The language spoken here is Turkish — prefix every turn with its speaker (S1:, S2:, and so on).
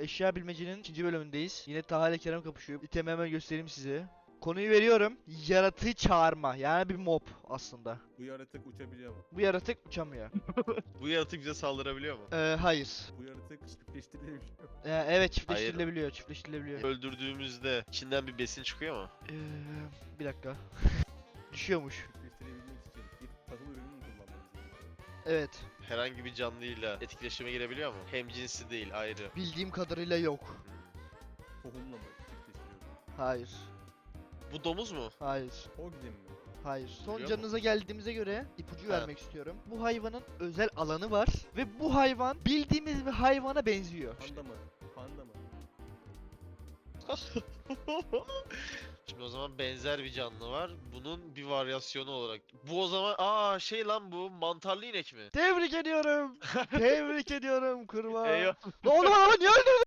S1: Eşya bilmecenin ikinci bölümündeyiz. Yine Taha ile Kerem kapışıyor. İtemi hemen göstereyim size. Konuyu veriyorum. Yaratığı çağırma. Yani bir mob aslında.
S2: Bu yaratık uçabiliyor mu?
S1: Bu yaratık uçamıyor.
S3: Bu yaratık bize saldırabiliyor mu?
S1: Hayır.
S2: Bu yaratık çiftleştirilebiliyor mu?
S1: Evet, çiftleştirilebiliyor. Çiftleştirilebiliyor.
S3: Öldürdüğümüzde içinden bir besin çıkıyor mu?
S1: Bir dakika. Düşüyormuş.
S2: Çiftleştirebilmek için bir tahıl ürünü mü kullanmamız gerekiyor?
S1: Evet.
S3: Herhangi bir canlıyla etkileşime girebiliyor mu? Hem cinsi değil, ayrı.
S1: Bildiğim kadarıyla yok.
S2: Tohumla mı çiftleştiriyoruz?
S1: Hayır.
S3: Bu domuz mu?
S1: Hayır.
S2: Hoglin mi?
S1: Hayır. Son
S3: Biliyor
S1: canınıza geldiğimize göre ipucu
S3: Ha.
S1: vermek istiyorum. Bu hayvanın özel alanı var ve bu hayvan bildiğimiz bir hayvana benziyor.
S2: Panda mı? Panda mı?
S3: Şimdi o zaman benzer bir canlı var. Bunun bir varyasyonu olarak. Bu o zaman şey lan bu mantarlı inek mi?
S1: Tebrik ediyorum. Tebrik ediyorum kurbağa.
S3: Eyvah.
S1: Ne oldu lan, niye öldürdün?